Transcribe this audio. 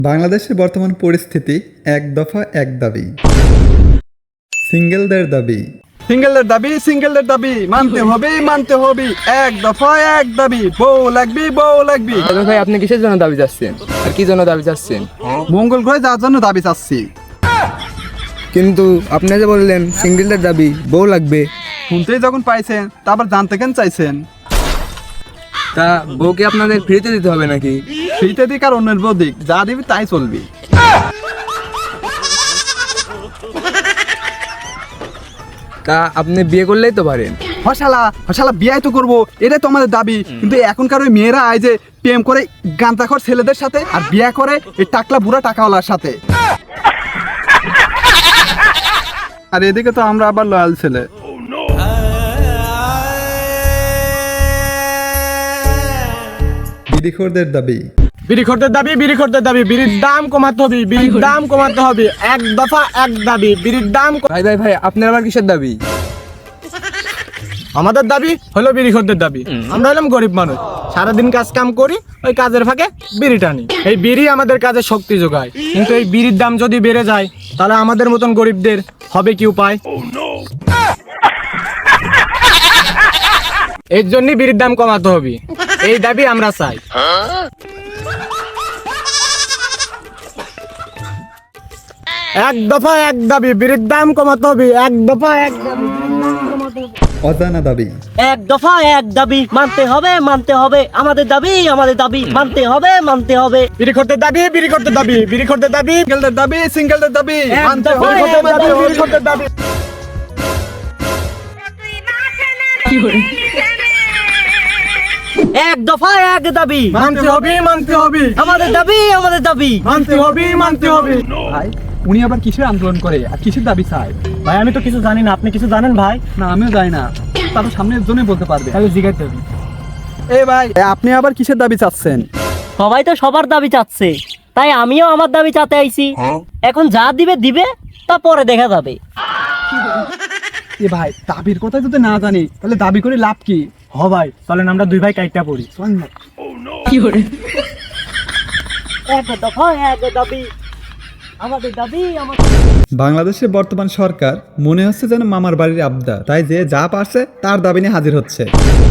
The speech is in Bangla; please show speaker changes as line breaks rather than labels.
বাংলাদেশের বর্তমান পরিস্থিতি এক দফা এক দাবি। সিঙ্গেলদের দাবি,
সিঙ্গেলদের দাবি মানতে হবে এক দফা এক দাবি। বউ লাগবে।
ভাই আপনি কিসের জন্য দাবি চাচ্ছেন আর কি জন্য দাবি চাচ্ছেন?
মঙ্গল গ্রহে যাওয়ার জন্য দাবি চাচ্ছি।
কিন্তু আপনি যে বললেন সিঙ্গেলদের দাবি বউ লাগবে,
শুনতেই যখন পাইছেন তারপর জানতে কেন চাইছেন?
তা বউকে আপনাদের ফ্রিতে দিতে হবে নাকি?
ফ্রিতে দিক আর অন্যের বউ দিক, যা দিবি তাই চলবি।
তা আপনি বিয়ে করলেই তো পারেন।
হসালা বিয়ে তো করবো, এটাই তো আমাদের দাবি। কিন্তু এখনকার ওই মেয়েরা আয় যে প্রেম করে গাঁজাখোর ছেলেদের সাথে আর বিয়ে করে এই টাকলা বুড়া টাকাওয়ালার সাথে। আর এদিকে তো আমরা আবার লয়াল ছেলে।
বিড়িখোরদের দাবি,
বিড়ির দাবি বিড়ির দাম কমাতে হবে এক দফা এক দাবি বিড়ির দাম
ভাই আপনার আবার কিসের দাবি?
আমাদের দাবি হলো বিড়িখোরদের দাবি। আমরা হলাম গরিব মানুষ, সারাদিন কাজ কাম করি, ওই কাজের ফাঁকে বিড়ি টানি। এই বিড়ি আমাদের কাজে শক্তি যোগায়, কিন্তু এই বিড়ির দাম যদি বেড়ে যায় তাহলে আমাদের মতন গরিবদের হবে কি উপায়? এর জন্যই বিড়ির দাম কমাতে হবে, এই দাবি আমরা চাই। এক দফা এক দাবি বিড়ির দাম কমাতে হবে, এক দফা এক দাবি
অজানা দাবি,
এক দফা এক দাবি মানতে হবে আমাদের দাবি মানতে হবে।
বিড়িখোরদের দাবি
সিঙ্গেলদের দাবি মানতে হবে।
বিড়িখোরদের দাবি।
এক দফা এক দাবি
মানতে হবে
আমাদের দাবি
মানতে হবে।
ভাই উনি আবার কিসের আন্দোলন করে আর কিসের দাবি চায়?
ভাই আমি তো কিছু জানি না, আপনি কিছু জানেন ভাই?
না আমিও জানি না, তারপর সামনের জন্যই বলতে পারবে।
তাহলে জিজ্ঞাসা হবে।
ভাই আপনি আবার কিসের দাবি চাচ্ছেন?
সবাই তো সবার দাবি চাচ্ছে, তাই আমিও আমার দাবি চাতে আইছি। এখন যা দিবে তা পরে দেখা যাবে।
ভাই দাবির কথা যদি না জানি তাহলে দাবি করে লাভ কি?
ভাই চলেন আমরা দুই ভাই কাইটটা পড়ি।
এক দফা এক দাবি আমাদের দাবি
বাংলাদেশের বর্তমান সরকার মনে হচ্ছে যেন মামার বাড়ির আবদা, তাই যে যা পারছে তার দাবি নিয়ে হাজির হচ্ছে।